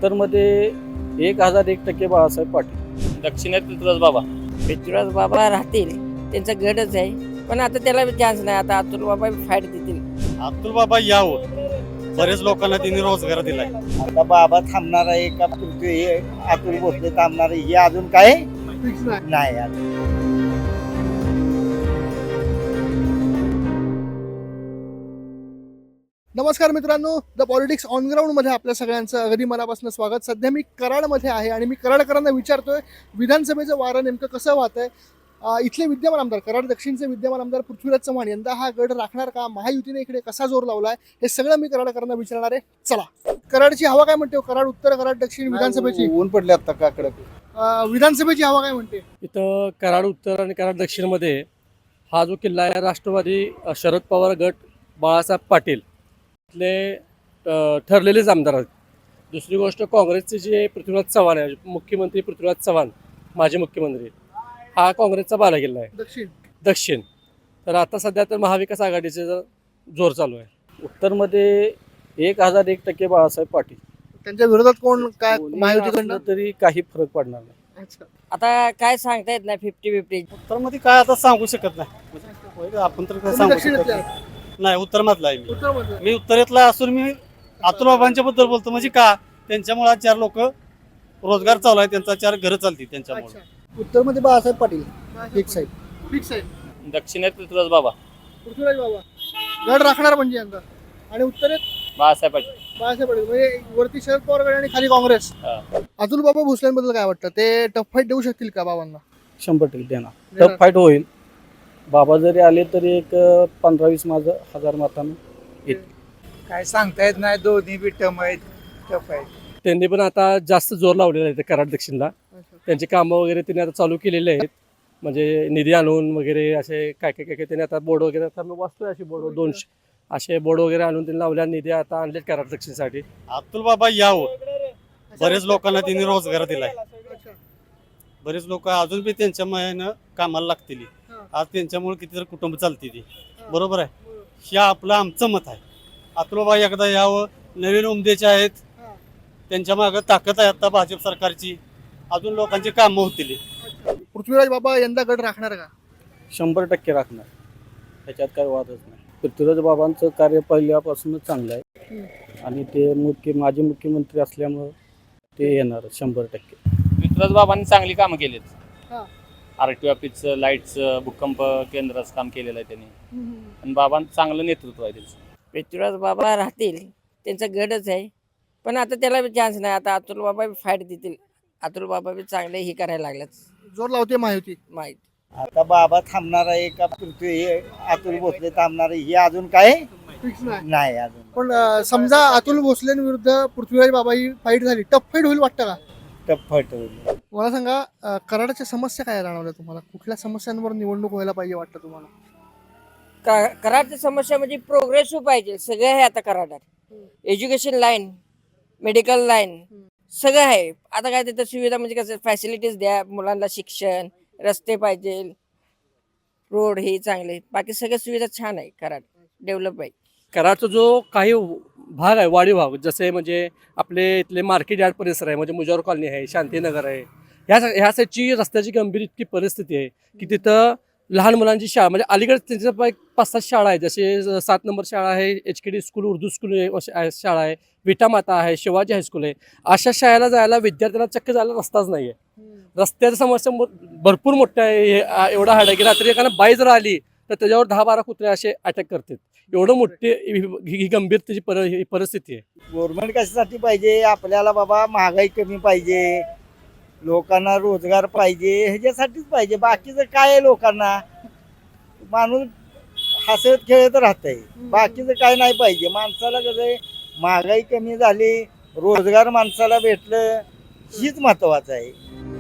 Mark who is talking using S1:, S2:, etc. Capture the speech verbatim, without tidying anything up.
S1: उत्तरमध्ये एक हजार एक टक्के बाळासाहेब पाटील.
S2: दक्षिणेत पृथ्वीराज बाबा.
S3: पृथ्वीराज बाबा राहतील, त्यांचा गडच आहे, पण आता त्याला चान्स नाही. आता अतुल बाबा फाईट देतील.
S2: अतुल बाबा यावं, बरेच लोकांना त्यांनी रोजगार दिलाय.
S4: आता बाबा थांबणार आहे का पृथ्वी हे अतुल भोसले थांबणार आहे हे अजून काय नाही अजून.
S5: नमस्कार मित्रांनो, द पॉलिटिक्स ऑन ग्राउंड मध्ये आपल्या सगळ्यांचं अगदी मनापासून स्वागत. सध्या मी कराडमध्ये आहे आणि मी कराडकरांना विचारतोय विधानसभेचं वारं नेमकं कसं वाहत आहे. इथले विद्यमान आमदार, कराड दक्षिणचे विद्यमान आमदार पृथ्वीराज चव्हाण यंदा हा गड राखणार का, महायुतीने इकडे कसा जोर लावलाय, हे सगळं मी कराडकरांना विचारणार आहे. चला, कराडची हवा काय म्हणते, कराड उत्तर, कराड दक्षिण विधानसभेची
S4: ऊन पडले आता काकडे.
S5: विधानसभेची हवा काय म्हणते.
S1: इथं कराड उत्तर आणि कराड दक्षिणमध्ये हा जो किल्ला आहे, राष्ट्रवादी शरद पवार गट, बाळासाहेब पाटील इथले ठरलेलेच आमदार आहेत. दुसरी गोष्ट, काँग्रेसचे जे पृथ्वीराज चव्हाण आहे, मुख्यमंत्री पृथ्वीराज चव्हाण, माजी मुख्यमंत्री, हा काँग्रेसचा बालेकिल्ला आहे
S5: दक्षिण
S1: दक्षिण तर आता सध्या तर महाविकास आघाडीचे जर जोर चालू आहे. उत्तरमध्ये एक हजार एक टक्के बाळासाहेब पाटील.
S5: त्यांच्या विरोधात कोण काय
S1: कोणी
S5: महायुतीकडनं
S1: असलं तरी काही फरक पडणार नाही.
S5: अच्छा.
S3: आता काय सांगता येत नाही, फिफ्टी फिफ्टी.
S2: उत्तरमध्ये काय आता सांगू शकत नाही. म्हणजे आपण तर काय
S5: तुम्ही
S2: सांगू
S5: दक्षिणेतले
S2: शकत
S5: आहे?
S2: नाही. नाही, उत्तर मधला आहे मी.
S5: उत्तरमध्ये.
S2: मी उत्तरेतला असून मी अतुल बाबांच्या बद्दल बोलतो. म्हणजे का, त्यांच्यामुळे चार लोक रोजगार चालू आहे, त्यांचा चार घरं चालतील त्यांच्यामुळे.
S5: अच्छा.
S4: उत्तरमध्ये बाळासाहेब पाटील फिक्स आहे.
S5: फिक्स आहे.
S2: दक्षिणेत पृथ्वीराज बाबा.
S5: पृथ्वीराज बाबा गड राखणार म्हणजे यंदा. आणि उत्तरेत
S2: बाळासाहेब पाटील.
S5: बाळासाहेब पाटील, म्हणजे वरती शरद पवार गड आणि खाली काँग्रेस. अतुल बाबा भोसलेंबद्दल काय वाटतं, ते टफ फाईट देऊ शकतील का बाबांना.
S1: शंभर टक्के देणार.
S5: देणार.
S1: टफ फाईट होईल. बाबा जरी आले तरी एक पंधरा वीस माझं हजार मतानं येतील.
S6: काय सांगता येत नाही, दोन्ही बी टम आहेत, टफ आहेत.
S1: त्यांनी पण आता जास्त जोर लावलेला आहे कराड दक्षिणला. त्यांची कामं वगैरे त्यांनी आता चालू केलेले आहेत. म्हणजे निधी आणून वगैरे असे काय काय काय काय त्यांनी आता बोर्ड वगैरे, आता मी वाचतोय असे बोर्ड दोनशे असे बोर्ड वगैरे आणून त्यांनी लावल्या. निधी आता आणलेत कराड दक्षिणसाठी.
S2: अतुल बाबा यावं, बरेच लोकांना त्यांनी रोजगार दिलाय. बरेच लोक अजून बी त्यांच्या मायानं कामाला लागतील. आज त्यांच्यामुळे कितीतरी कुटुंब चालते ती. बरोबर आहे, हे आपलं आमचं मत आहे. अतुल बाबा एकदा यावं, नवीन उमदेचे आहेत, त्यांच्या मागं ताकद आहे आता भाजप सरकारची. अजून लोकांची कामं होतील.
S5: पृथ्वीराज बाबा यंदा गड राखणार का.
S1: शंभर टक्के राखणार, त्याच्यात काही वादच नाही. पृथ्वीराज बाबांचं कार्य पहिल्यापासूनच चांगलं आहे आणि ते मुख्य माजी मुख्यमंत्री असल्यामुळं ते येणार शंभर टक्के.
S7: पृथ्वीराज बाबांनी चांगली कामं केलीत.
S5: हा.
S7: आरटी ऑफिसचं, लाईटचं, भूकंप केंद्राचं काम केलेलं आहे त्यांनी. आणि बाबांचं चांगलं नेतृत्व आहे त्यांचं.
S3: पृथ्वीराज बाबा राहतील, त्यांचा गडच आहे, पण आता त्याला चान्स नाही. आता अतुल बाबा फाईट देतील. अतुल बाबा बी चांगले हे करायला लागलेत,
S5: जोर लावते महायुती.
S3: माहिती.
S4: आता बाबा थांबणार आहे का पृथ्वी हे अतुल भोसले थांबणार आहे हे अजून काय
S5: फिक्स नाही.
S4: नाही अजून.
S5: पण अं, समजा अतुल भोसलेंविरुद्ध पृथ्वीराज बाबा ही फाईट झाली, टफ फाईट होईल वाटतं का.
S4: टफ फाईट होईल.
S5: मला सांगा, अं, कराडाच्या समस्या काय जाणवल्या तुम्हाला, कुठल्या समस्यांवर निवडणूक व्हायला पाहिजे वाटतं तुम्हाला.
S3: का कराडची समस्या म्हणजे प्रोग्रेसिव्ह पाहिजे. सगळं आहे आता कराडात. एज्युकेशन लाईन, मेडिकल लाईन, सगळं आहे. आता काय तिथं सुविधा म्हणजे कसं, फॅसिलिटीज द्या मुलांना, शिक्षण, रस्ते पाहिजे, रोड हे चांगले, बाकी सगळ्या सुविधा छान आहे. कराड डेव्हलप आहे.
S1: कराडचा जो काही भाग आहे, वाडी भाग, जसे म्हणजे आपले इथले मार्केट यार्ड परिसर आहे, म्हणजे मुजावर कॉलनी आहे, शांतीनगर आहे, ह्या ह्या साईडची रस्त्याची गंभीर इतकी परिस्थिती आहे की तिथं लहान मुलांची शाळा, म्हणजे अलीकडे त्यांच्या एक पाच सात शाळा आहे. जसे सात नंबर शाळा आहे, H K D school, Urdu school शाळा आहे, विटा माता आहे, शिवाजी हायस्कूल आहे. अशा शाळेला जायला विद्यार्थ्याला चक्क जायला रस्ताच नाही आहे. रस्त्याची समस्या भरपूर मोठ्या आहे. एवढा हाड आहे की रात्री एखादा बाई जर आली तर त्याच्यावर दहा बारा कुत्रे असे अटॅक करतात. एवढं मोठी ही गंभीर त्याची पर परिस्थिती आहे.
S4: गव्हर्नमेंट कशासाठी पाहिजे आपल्याला बाबा, महागाई कमी पाहिजे, लोकांना रोजगार पाहिजे, ह्याच्यासाठीच पाहिजे. बाकीचं काय आहे, लोकांना माणूस हसत खेळत राहतंय, बाकीचं काय नाही पाहिजे. माणसाला कसं आहे, महागाई कमी झाली, रोजगार माणसाला भेटलं, हीच महत्वाचं आहे.